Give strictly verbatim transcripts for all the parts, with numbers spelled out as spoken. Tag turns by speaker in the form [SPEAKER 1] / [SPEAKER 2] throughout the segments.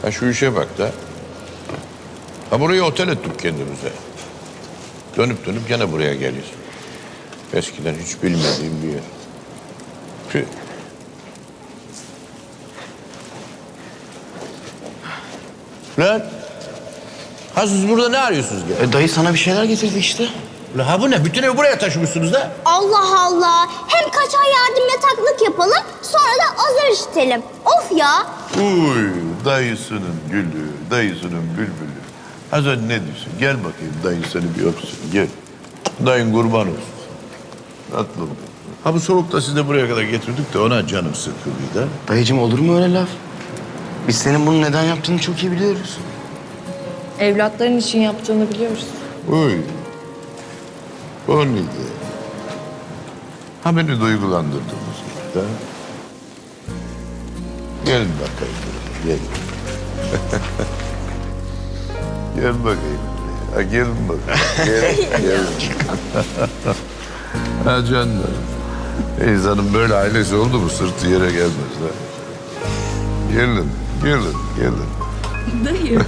[SPEAKER 1] Ha şu işe bak da. Ha burayı otel ettik kendimize. Dönüp dönüp gene buraya geliyoruz. Eskiden hiç bilmediğim bir yer. Tüh. Lan. Ha siz burada ne arıyorsunuz gene?
[SPEAKER 2] E, dayı sana bir şeyler getirdi işte.
[SPEAKER 1] Ulan ha bu ne? Bütün evi buraya taşımışsınız da.
[SPEAKER 3] Allah Allah. Hem kaçar yardım yataklık yapalım, sonra da azar işitelim. Of ya.
[SPEAKER 1] Uy dayısının gülü, dayısının bülbülü. Ha sen ne diyorsun? Gel bakayım dayın seni bir öpsün. Gel. Dayın kurban olsun. Tatlım. Ha bu soğukta sizi de buraya kadar getirdik de ona canım sıkıldıydı.
[SPEAKER 2] Dayıcığım olur mu öyle laf? Biz senin bunu neden yaptığını çok iyi biliyoruz.
[SPEAKER 4] Evlatların için yaptığını biliyoruz.
[SPEAKER 1] Uy. O neydi? Ha beni duygulandırdınız. Da. Gelin bakayım. Gel. Gel bakayım. Ha gelin bakayım. Gel. Gel. Ha canım. İnsanın böyle ailesi oldu mu sırtı yere gelmez. Ha. Gelin. Gelin. Gelin.
[SPEAKER 4] Dayı.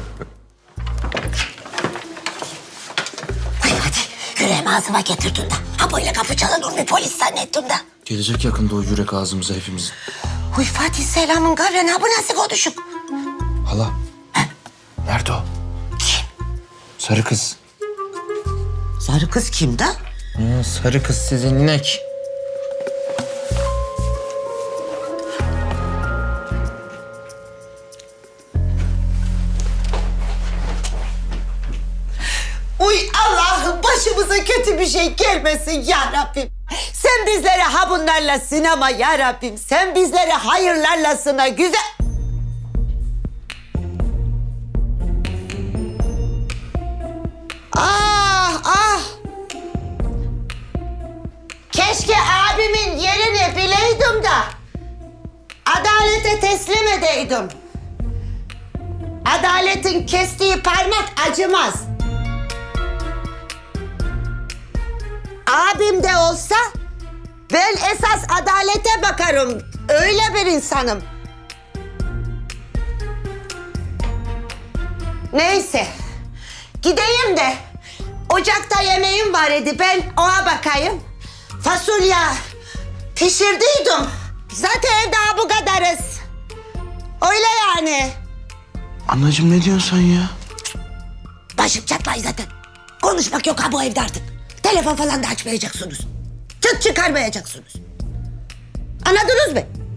[SPEAKER 5] Ay hadi yüreğimi ağzıma getirdin de. Ha böyle kapı çalan bir polis zannettim de.
[SPEAKER 2] Gelecek yakında o yürek ağzımıza hepimizin.
[SPEAKER 5] Uy Fatih Selam'ın kavreni ha bu nasıl konuşuk?
[SPEAKER 2] Hala. Nerede o?
[SPEAKER 5] Kim?
[SPEAKER 2] Sarı kız.
[SPEAKER 5] Sarı kız kim de?
[SPEAKER 2] Ha, sarı kız sizin inek.
[SPEAKER 5] Uy Allah'ım başımıza kötü bir şey gelmesin ya Rabbim. Sen bizleri ha bunlarla sınama ya Rabbim. Sen bizleri hayırlarla sına güzel... Ah ah! Keşke abimin yerini bileydim de adalete teslim edeydim. Adaletin kestiği parmak acımaz. Abim de olsa ben esas adalete bakarım. Öyle bir insanım. Neyse. Gideyim de ocakta yemeğim var idi. Ben ona bakayım. Fasulye pişirdiydim. Zaten evde bu kadarız. Öyle yani.
[SPEAKER 2] Anacığım ne diyorsun sen ya?
[SPEAKER 5] Başım çatlay zaten. Konuşmak yok ha bu evde artık. Telefon falan da açmayacaksınız. Çıt çıkarmayacaksınız. Anladınız mı?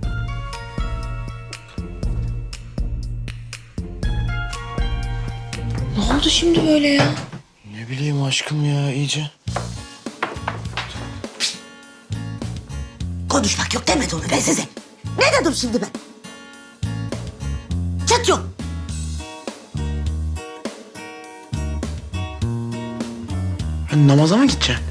[SPEAKER 4] Ne oldu şimdi böyle ya?
[SPEAKER 2] Ne bileyim aşkım ya iyice.
[SPEAKER 5] Konuşmak yok demedim mi ben size? Ne dedim şimdi ben? Çıt yok.
[SPEAKER 2] Hani namaza mı gideceksin?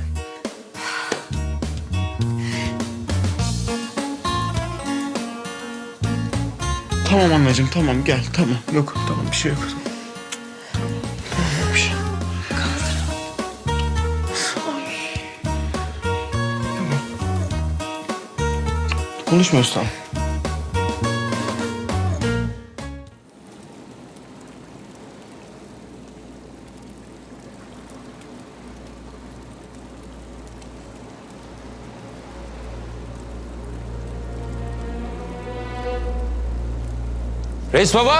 [SPEAKER 2] Tamam anneciğim tamam gel tamam. Yok tamam bir şey yok. Tamam yok bir şey. Tamam. Konuşmuyoruz tamam.
[SPEAKER 6] Reis baba.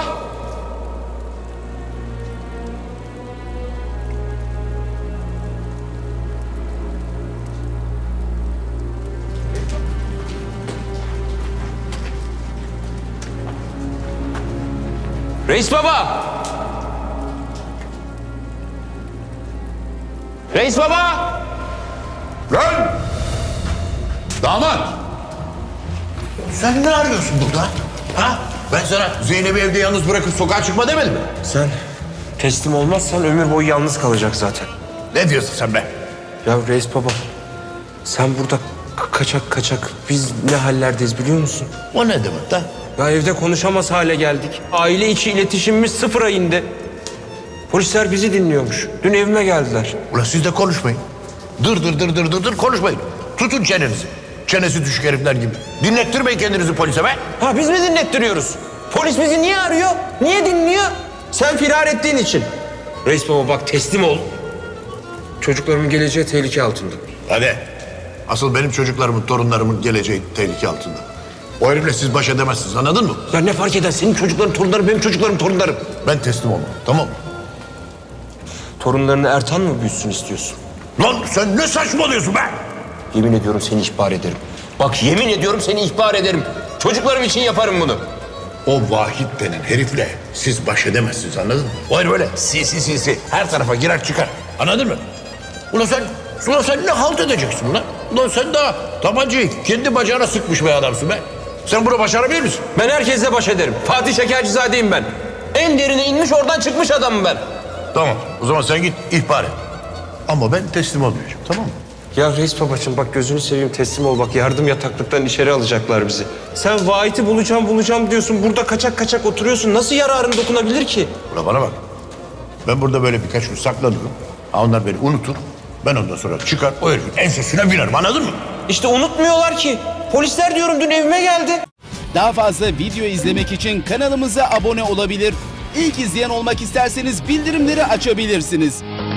[SPEAKER 6] Reis baba. Reis baba.
[SPEAKER 1] Lan! Damat! Sen ne arıyorsun burada? Ha? Ben sana Zeynep'i evde yalnız bırakıp sokağa çıkma demedim mi?
[SPEAKER 7] Sen teslim olmazsan ömür boyu yalnız kalacak zaten.
[SPEAKER 1] Ne diyorsun sen be?
[SPEAKER 7] Ya reis baba, sen burada k- kaçak kaçak biz ne hallerdeyiz biliyor musun?
[SPEAKER 1] O ne demek lan?
[SPEAKER 7] Ya evde konuşamaz hale geldik. Aile içi iletişimimiz sıfıra indi. Polisler bizi dinliyormuş. Dün evime geldiler.
[SPEAKER 1] Ulan siz de konuşmayın. Dır dır dır dır dır dır konuşmayın. Tutun çenenizi. Çenesi düşük herifler gibi. Dinlettirmeyin kendinizi polise be.
[SPEAKER 7] Ha biz mi dinlettiriyoruz? Polis bizi niye arıyor? Niye dinliyor? Sen firar ettiğin için. Reis baba bak teslim ol. Çocuklarımın geleceği tehlike altında.
[SPEAKER 1] Hadi. Asıl benim çocuklarımın, torunlarımın geleceği tehlike altında. O herifle siz baş edemezsiniz, anladın mı?
[SPEAKER 7] Ya ne fark eder? Senin çocukların torunları, benim çocuklarım torunlarım.
[SPEAKER 1] Ben teslim olmam, tamam mı?
[SPEAKER 7] Torunlarını Ertan mı büyütsün istiyorsun?
[SPEAKER 1] Lan sen ne saçmalıyorsun be?
[SPEAKER 7] Yemin ediyorum seni ihbar ederim. Bak yemin ediyorum seni ihbar ederim. Çocuklarım için yaparım bunu.
[SPEAKER 1] O Vahit denen herifle siz baş edemezsiniz, anladın mı? O herif böyle sinsi sinsi her tarafa girer çıkar, anladın mı? Ulan sen, ulan sen ne halt edeceksin lan? Ulan sen daha tabancayı kendi bacağına sıkmış bir adamsın be. Sen bunu başarabilir misin?
[SPEAKER 7] Ben herkesle baş ederim. Fatih Şekercizade'yim ben. En derine inmiş oradan çıkmış adamım ben.
[SPEAKER 1] Tamam, o zaman sen git ihbar et. Ama ben teslim olmayacağım, tamam mı?
[SPEAKER 7] Ya reis babacığım bak gözünü seveyim teslim ol. Bak yardım yataklıktan içeri alacaklar bizi. Sen Vahit'i bulacağım bulacağım diyorsun. Burada kaçak kaçak oturuyorsun. Nasıl yararın dokunabilir ki?
[SPEAKER 1] Ulan bana bak. Ben burada böyle birkaç gün saklanıyorum. Ha onlar beni unutur. Ben ondan sonra çıkar o herifin ensesine binerim, anladın mı?
[SPEAKER 7] İşte unutmuyorlar ki. Polisler diyorum dün evime geldi.
[SPEAKER 8] Daha fazla video izlemek için kanalımıza abone olabilir. İlk izleyen olmak isterseniz bildirimleri açabilirsiniz.